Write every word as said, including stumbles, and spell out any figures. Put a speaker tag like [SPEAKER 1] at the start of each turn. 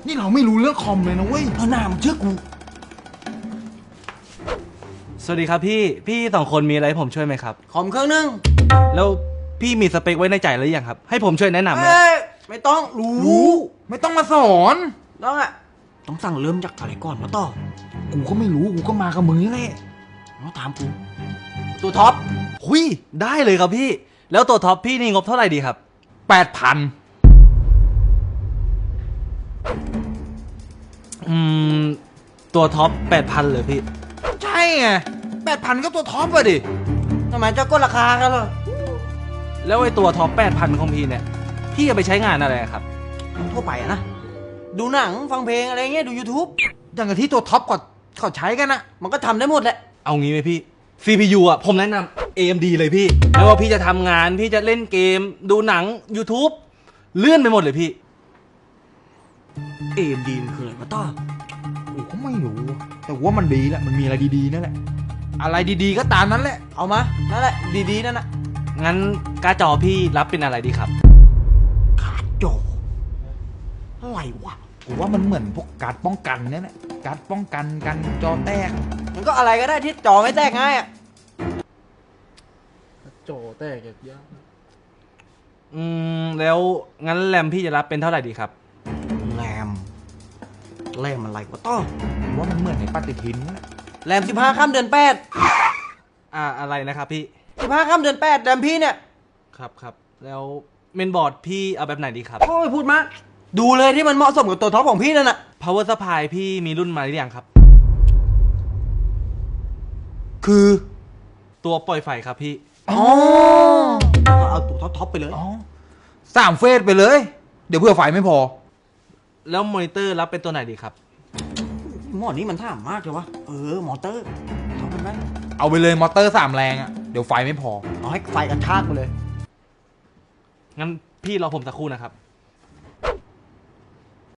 [SPEAKER 1] นี่เราไม่รู้เรื่องคอมเลยนะเว้ย
[SPEAKER 2] เออหน้ามึงเชื่อกู
[SPEAKER 3] สวัสดีครับพี่พี่สองคนมีอะไรให้ผมช่วยไหมครับ
[SPEAKER 2] คอมเครื่องนึง
[SPEAKER 3] แล้วพี่มีสเปคไว้ในใจหรือยังครับให้ผมช่วยแนะนำไหม
[SPEAKER 2] เอ้ยไม่ต้องรู้
[SPEAKER 1] รู้ไม่ต้องมาสอน
[SPEAKER 2] ต้องอะต้องสั่งเริ่มจากอะไรก่อนมาต่อ
[SPEAKER 1] กูก็ไม่รู้กูก็มากับมึงนี่แหละ
[SPEAKER 2] มาถามกูตัวท็อป
[SPEAKER 3] หุยได้เลยครับพี่แล้วตัวท็อปพี่นี่งบเท่าไหร่ดีครับ
[SPEAKER 1] แปดพัน
[SPEAKER 3] อืมตัวท็อปแปดพันเลยพี่
[SPEAKER 1] ใช่ไงแปดพันก็ตัวท็อปอะดิ
[SPEAKER 2] ทำไมจะกดราคากันเหรอ
[SPEAKER 3] แล้วไอ้ตัวท็อปแปดพันของพี่เนี่ยพี่จะไปใช้งานอะไรครับ
[SPEAKER 2] ทั่วไปอะนะดูหนังฟังเพลงอะไรเงี้ยดู YouTube
[SPEAKER 1] อย่างกับที่ตัวท็อปก็เขาใช้กันนะ
[SPEAKER 2] มันก็ทำได้หมดแหละ
[SPEAKER 3] เอางี้ไหมพี่ ซี พี ยู อ่ะผมแนะนำ เอ เอ็ม ดี เลยพี่ไม่ว่าพี่จะทำงานพี่จะเล่นเกมดูหนัง YouTube เลื่อนไปหมดเลยพี่
[SPEAKER 2] เอ เอ็ม ดี มันคืออะไรมาต่อ
[SPEAKER 1] กูก็ไม่รู้แต่ว่ามันดีแหละมันมีอะไรดีๆนั่นแหละอะไรดีๆก็ตามนั้นแหละ
[SPEAKER 2] เอามานั่นแหละดีๆนั่นน่ะ
[SPEAKER 3] งั้นการ์ดจอพี่รับเป็นอะไรดีครับ
[SPEAKER 2] การ์ดจออะไรวะ
[SPEAKER 1] กูว่ามันเหมือนพวกการ์ดป้องกันเนี่ยแหละการ์ดป้องกันกันจอแตก
[SPEAKER 2] มันก็อะไรก็ได้ที่จอไม่แตกง่ายอ่ะ
[SPEAKER 4] จอแตกยาก
[SPEAKER 3] อืมแล้วงั้นแรมพี่จะรับเป็นเท่าไหร่ดีครับ
[SPEAKER 2] แรมแรมอะไรวะต้อ
[SPEAKER 1] กูว่ามันเหมือนในปฏิทินนั่นแหละ
[SPEAKER 2] แรมสิบห้าข้ามเดือนแปด
[SPEAKER 3] อ่าอะไรนะครับพี่
[SPEAKER 2] สิบห้าข้ามเดือนแปดแรมพี่เนี่ย
[SPEAKER 3] ครับครับแล้วเมนบอร์ดพี่เอาแบบไหนดีครับ
[SPEAKER 2] โอ้ยพูดมากดูเลยที่มันเหมาะสมกับตัวท็อปของพี่นั่นน่ะ
[SPEAKER 3] power supply พี่มีรุ่นมาหรือยังครับ
[SPEAKER 1] คือ
[SPEAKER 3] ตัวปล่อยไฟครับพี่
[SPEAKER 2] อ๋อเอาตัวท็อปท็อปไปเลย
[SPEAKER 1] อ๋อสามเฟสไปเลยเดี๋ยวเพื่อไฟไม่พอ
[SPEAKER 3] แล้วมอนิเตอร์รับเป็นตัวไหนดีครับ
[SPEAKER 2] หมอนี้มันท่ามากเลยวะเออมอเตอร์ท็อปมันไหม
[SPEAKER 1] เอาไปเลยมอเตอร์สามแรงอ่ะเดี๋ยวไฟไม่พอ
[SPEAKER 2] เอาให้ไฟกระชากไปเลย
[SPEAKER 3] งั้นพี่รอผมสักครู่นะครับ